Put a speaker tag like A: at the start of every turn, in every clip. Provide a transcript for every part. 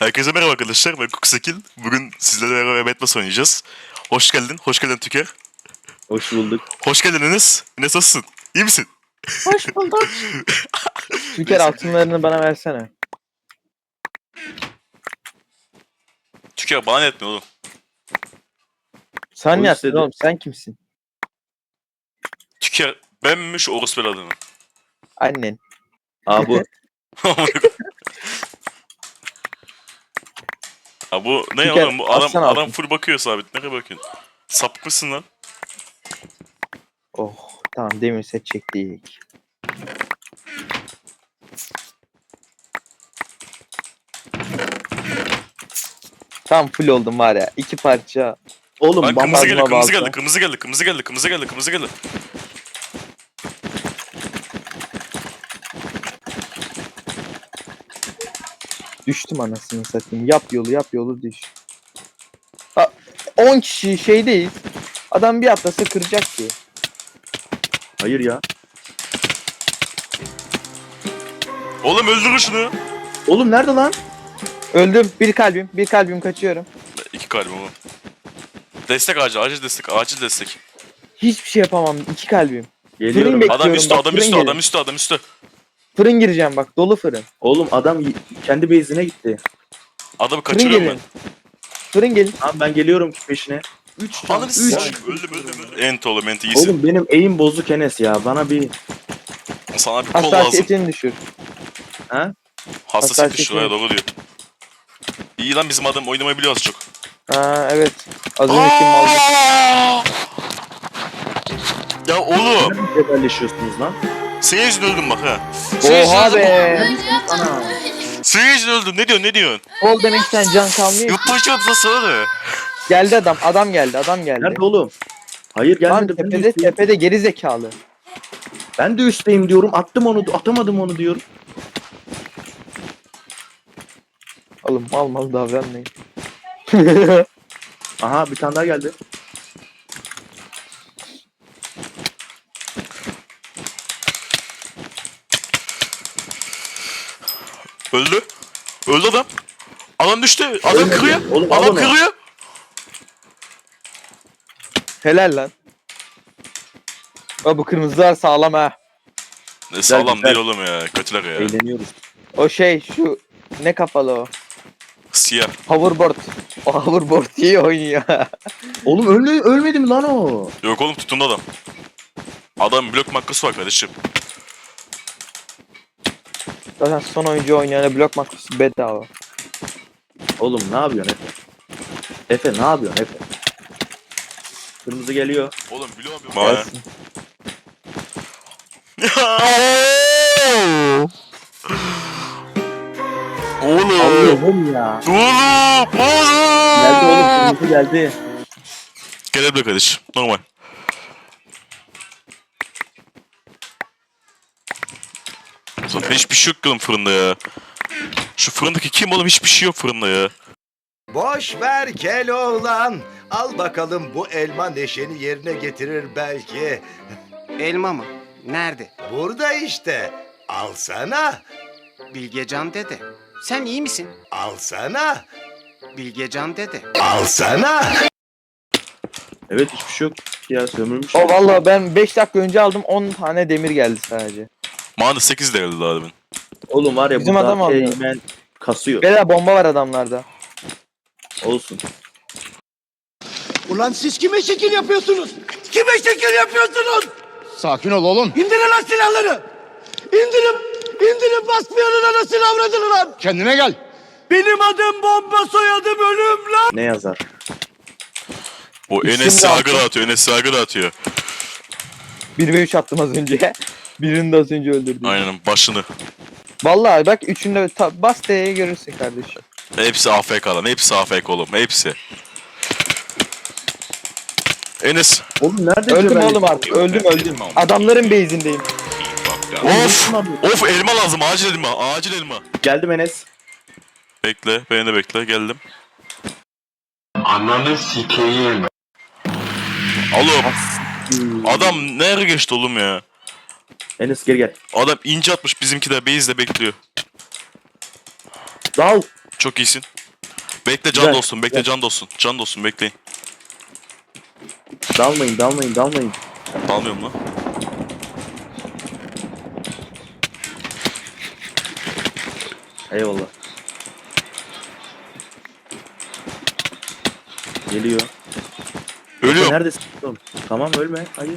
A: Herkese merhaba arkadaşlar, ben Kuksekil. Bugün sizlerle beraber Batman oynayacağız. Hoş geldin Tüker.
B: Hoş bulduk.
A: Hoş geldin Enes. Enes nasılsın? İyi misin?
C: Hoş bulduk. Tüker altınlarını bana versene.
A: Tüker bana ne etmiyor oğlum?
C: Sen
B: O
C: ne yaptın
B: istedi.
C: oğlum? Sen kimsin?
A: Tüker benmiş orospu adamı.
C: Annen.
B: Aa bu.
A: Ha bu ne
C: Tüker,
A: oğlum? Bu adam
C: atsana altın.
A: full bakıyor sabit. Nereye bakıyorsun? Sapık mısın lan?
C: Oh tamam demir set çektik. Tam full oldum var ya. 2 parça.
B: Oğlum
A: Lan
B: bamba
A: kırmızı
C: balta.
A: geldi.
C: Düştüm anasını satayım. Yap yolu düş. Ha, 10 kişi şeydeyiz. Adam bir atlasa kıracak ki.
B: Hayır ya.
A: Oğlum öldürün şunu.
B: Oğlum nerede lan?
C: Öldüm. Bir kalbim kaçıyorum.
A: 2 kalbim ama. Destek acil destek.
C: Hiçbir şey yapamam. 2 kalbim.
B: Geliyorum.
C: Fırın
A: Adam
C: Bekliyorum,
A: üstü,
C: bak,
A: adam üstü.
C: Fırın gireceğim bak. Dolu fırın.
B: Oğlum adam kendi base'ine gitti.
A: Adamı
C: Fırın
A: kaçırıyorum ben.
C: gelin. Fırın gelin.
B: Tamam ben geliyorum peşine. 3 can.
A: Ananı
B: 3.
A: sikeyim. Öldüm. Ent oğlum ent iyisin.
B: Oğlum benim aim bozuk Enes ya. Bana bir
A: Sana bir kol lazım.
C: Hassasiyetini düşür.
B: ha?
A: Hassasiyet
C: hassasiyetini
A: şuraya doğru diyor. İyi lan bizim adam oynamayı biliyor az çok.
C: Ha evet. Az önceki mal.
A: Ya oğlum.
B: Neden cebelleşiyorsunuz lan?
A: Senin yüzünden öldüm bak ha.
C: Oha be.
B: Ana.
A: Senin yüzünden öldüm. Ne diyorsun?
C: Kol demekten can kalmıyor.
A: Yurttaşı adı sana ne?
C: Geldi adam. Adam geldi.
B: Nerede oğlum? Hayır
C: Lan
B: gelmedi. Ben de,
C: tepede
B: üstteyim.
C: tepede geri zekalı.
B: Ben de üstteyim diyorum. Atamadım onu diyorum.
C: Oğlum mal davranmayın.
B: Aha bir tane daha geldi.
A: Öldü. Öldü adam. Adam düştü. Adam
B: Ölmedi.
A: kırıyor.
B: Oğlum, al
A: Adam
B: onu.
A: kırıyor.
C: Helal lan. Aa, bu kırmızılar sağlam ha.
A: Ne sağlam
B: güzel.
A: değil oğlum ya. Kötüler ya.
B: Eğleniyoruz.
C: O şey şu ne kafalı o.
A: Siyah.
C: Hoverboard. O hoverboard iyi oynuyor.
B: Oğlum ölmedi mi lan o?
A: Yok oğlum tutundu adam. Adam blok makkası var kardeşim.
C: Zaten son oyuncu oynayana blok makrosu bedava.
B: Oğlum ne yapıyorsun Efe? Efe ne yapıyorsun Efe? Kırmızı geliyor.
A: Oğlum biliyor musun? Bana.
C: Gelsin.
A: Oğlum.
B: Allah'ım ya. Geldi oğlum kırmızı geldi.
A: Gelebilir kardeşim. Normal. Zaten hiçbir şey yok oğlum fırında ya. Şu fırındaki kim oğlum? Hiçbir şey yok fırında ya.
D: Boş ver gel oğlan. Al bakalım bu elma neşeni yerine getirir belki.
E: Elma mı? Nerede?
D: Burada işte. Alsana.
E: Bilgecan dede. Sen iyi misin?
D: Alsana.
E: Bilgecan dede.
D: Alsana.
B: Evet hiçbir şey yok ya sömürmüş.
C: O vallahi ben 5 dakika önce aldım 10 tane demir geldi sadece.
A: Bana da 8 de geldi daha demin.
B: Oğlum var ya
C: Bizim
B: bu
C: adam
B: da
C: alıyor.
B: hemen kasıyor.
C: Bela bomba var adamlarda.
B: Olsun.
F: Ulan siz kime şekil yapıyorsunuz? Kime şekil yapıyorsunuz?
G: Sakin ol oğlum.
F: İndirin lan silahları! İndirin basmayanın anasını avradını lan!
G: Kendine gel.
F: Benim adım bomba soyadım ölüm lan!
B: Ne yazar?
A: O
C: İsim
A: Enes
C: de
A: sargı
C: altı.
A: dağıtıyor.
C: 1 ve 3 attım az önce. Birini de az önce öldürdüm.
A: Aynen başını.
C: Vallahi bak üçünde bas T'ye görürsün kardeşim.
A: Hepsi AFK lan. Hepsi AFK oğlum. Hepsi. Enes.
B: Oğlum nerede
C: Öldüm
B: cebelleşiyor?
C: oğlum artık. Öldüm. Adamların base'indeyim.
A: Of. Of elma lazım. Acil elma. Acil elma.
B: Geldim Enes.
A: Bekle. Beni de bekle. Geldim. Oğlum. Adam nereye geçti oğlum ya?
B: Enes geri gel.
A: Adam ince atmış bizimkiler base'de bekliyor.
B: Dal.
A: Çok iyisin. Bekle can
B: Güzel,
A: dostum, bekle can dostum. Can dostum bekleyin.
B: Dalmayın, dalmayın, dalmayın.
A: Dalmıyorum lan.
B: Eyvallah. Geliyor.
A: Ölüyorum.
B: Neredesin oğlum? Tamam ölme. Hayır.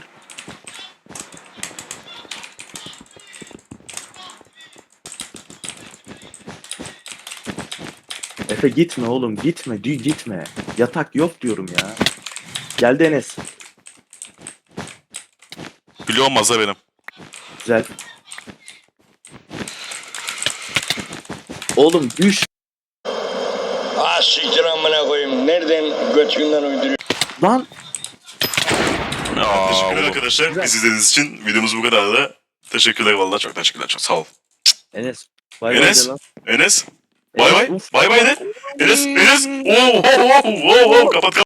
B: Efe gitme oğlum gitme gitme. Yatak yok diyorum ya. Geldi Enes.
A: Biliyor olmaz da benim.
B: Güzel. Oğlum düş
F: Ah siktir amına koyayım. Nereden götünden uyduruyor?
B: lan.
A: Teşekkürler
B: oğlum.
A: arkadaşlar.
B: Güzel.
A: Bizi izlediğiniz için videomuz bu kadardı. Teşekkürler vallahi çok teşekkürler. Çok sağ ol.
B: Enes. Bay
A: Enes?
B: bay de lan.
A: Enes. Bay bay.
B: Uf.
A: Bay bay de. Enes. Enes. Oo, oo, oo, oo, oo. Kapat kapat.